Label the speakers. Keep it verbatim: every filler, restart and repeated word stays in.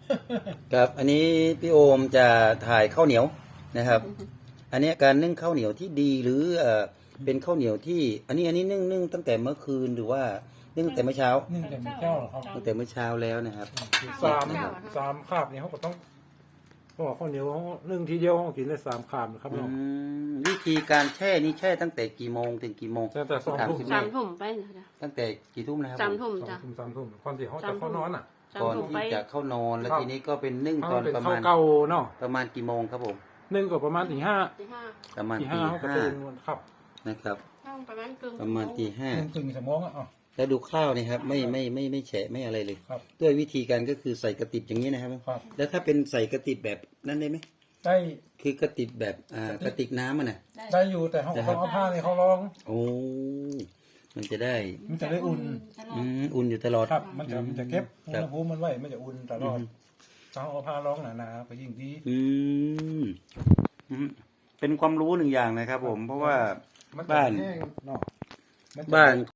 Speaker 1: ครับอันนี้พี่โอมจะถ่ายข้าวเหนียวนะครับ อันนี้การนึ่งข้าวเหนียวที่ดีหรือเอ่อเป็นข้าวเหนียวที่อันนี้อันนี้นึ่งนึ่งตั้งแต่เมื่อคืนหรือว่านึ่งตั้งแต่เมื่อเช้า
Speaker 2: นึ่งแต่มีเจ้าเหรอครับ
Speaker 1: ตั้งแต่เมื่อเช้าแล้วนะครับ
Speaker 2: สามสามคาบเนี่ยเขาก็ต้องเพราะว่าข้าวเหนียวเขานึ่งทีเดียวเขากินได้สามคาบนะครับ
Speaker 1: อื
Speaker 2: น้อง
Speaker 1: มวิธีการแช่นี่แช่ตั้งแต่กี่โมงถึงกี่โมง
Speaker 2: ตั้งแต่สองทุ่ม
Speaker 1: คุณ
Speaker 3: สา
Speaker 1: แม่
Speaker 3: มทุ่มไปนะ
Speaker 1: ตั้งแต่กี่ทุ่มนะครับ
Speaker 3: สามทุ่ม
Speaker 2: สอง
Speaker 3: จ้ะ
Speaker 2: ทุ่มสามทุ่มก่อนที่เขาจะเข้านอนอ่ะ
Speaker 3: สาม
Speaker 1: ก่อน
Speaker 3: ทุ่มไป
Speaker 1: ที่จะเข้านอนแล้ว
Speaker 2: ครับ
Speaker 1: ทีนี้ก็เป็นนึ่ง
Speaker 2: เขา
Speaker 1: ตอน
Speaker 2: เป็น
Speaker 1: ประ
Speaker 2: ข้าว
Speaker 1: มาณ
Speaker 2: เก่าเนาะ
Speaker 1: ประมาณกี่โมงครับผม
Speaker 2: นึ่งก็ประมาณตีห้า
Speaker 3: ตีห้า
Speaker 1: ประมาณ
Speaker 2: ตี
Speaker 1: ตี
Speaker 2: ห้าเขาก็
Speaker 1: ห้า
Speaker 2: ตื่นครับ
Speaker 1: นะครับ
Speaker 3: ช่างประมาณกึ่ง
Speaker 1: ประมาณตีห้า
Speaker 2: หนึ่งถึงสมองอ่ะอ๋อ
Speaker 1: แล้วดูข้าวนี่ครับไม่ไม่ไม่ไม่แฉะไม่อะไรเลย
Speaker 2: ครับ
Speaker 1: ด้วยวิธีการก็คือใส่กระติบอย่างนี้นะครับ
Speaker 2: ครับ
Speaker 1: แล้วถ้าเป็นใส่กระติบแบบนั้นได้ไหม
Speaker 2: ได้
Speaker 1: คือกระติบแบบอ่ากระติกน้ำมันนะ
Speaker 2: ได้อยู่แต่เขาเขาเอาผ้าเนี่ยเขาลอง
Speaker 1: โอ้มันจะได้
Speaker 2: มันจะได้อุ่น
Speaker 1: อืมอุ่นอยู่ตลอด
Speaker 2: ครับ มันจะมันจะเก็บอุ
Speaker 1: ค
Speaker 2: ณ
Speaker 1: รับ
Speaker 2: หภูมิมันไว้มันจะอุ่นตลอดถ้าเอาผ้าลองหนาๆก็ยิ่งดี
Speaker 1: อืมอืมเป็นความรู้หนึ่งอย่างนะครับผม เพราะว่า
Speaker 2: มันจะ
Speaker 1: บ้าน
Speaker 2: แห้งเนาะมัจะ
Speaker 1: บ้าน